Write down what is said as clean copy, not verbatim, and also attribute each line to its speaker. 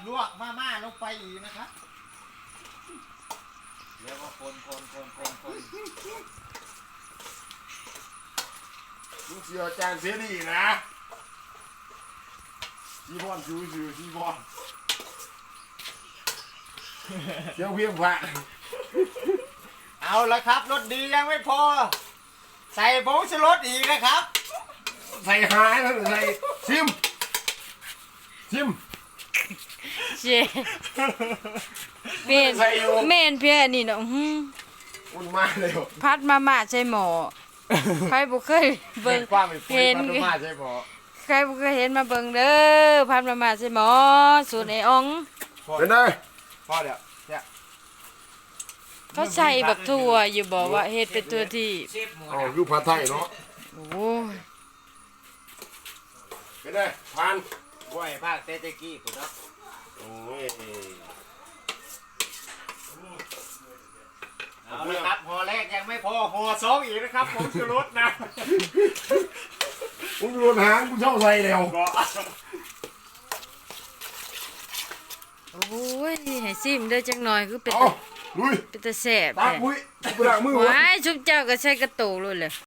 Speaker 1: ลวกมาม่าลงไปอีกนะครับแล้วก็คน
Speaker 2: ลูกเสือจานเสียดีนะชีบอนชูชีบอนเที่ยวเพียงพระ
Speaker 1: เอาละครับรสดียังไม่พอใส่ผงชูรสอีกนะครับ
Speaker 2: ใส่หายแล้วใส่ชิม
Speaker 3: เจเมนเมนเพี้ยนี่เนาะ
Speaker 2: มันมาเลย
Speaker 3: พัดมาม่าใส่หม้อใครบ่เคยเบิ่ง
Speaker 2: ความเป็น
Speaker 3: เห็น
Speaker 2: มันมาใช่ปะ
Speaker 3: ใครบ่เคยเห็นมาเบิ่งเด้อพัดมาม่าใส่หม้อสูตรไอ้อ๋อง
Speaker 2: เป็นไง
Speaker 1: พอเดี๋ยวเนี่ย
Speaker 3: เขาใส่บักทั่วอยู่บอกว่าเฮ็ดเป็นตัวที่
Speaker 1: เชฟหมู
Speaker 2: อ๋ออยู่ผัดไทยเนาะ
Speaker 3: โอ้ย
Speaker 2: เป็นไงผ่าน
Speaker 1: กล้วยภาคเตเตกี้ผมนะ
Speaker 2: โอ้ย
Speaker 1: เอาละครับห่อแรกยังไม่พอห่อสองอีกนะครับผงชูรสนะ
Speaker 2: มึงโดนหางกูเช่าใส่แล้ว
Speaker 1: ก็
Speaker 3: โอ้ยให้ซิมเด้อจักหน่อยคือเป็น
Speaker 2: เอาลุย
Speaker 3: เป็นตาแซ่บ
Speaker 2: ตัก
Speaker 3: แท้
Speaker 2: มุ้ยกูล้างมือวะ
Speaker 3: ว้ายชุบเจ้าก็ใส่กระโตกเลยเลย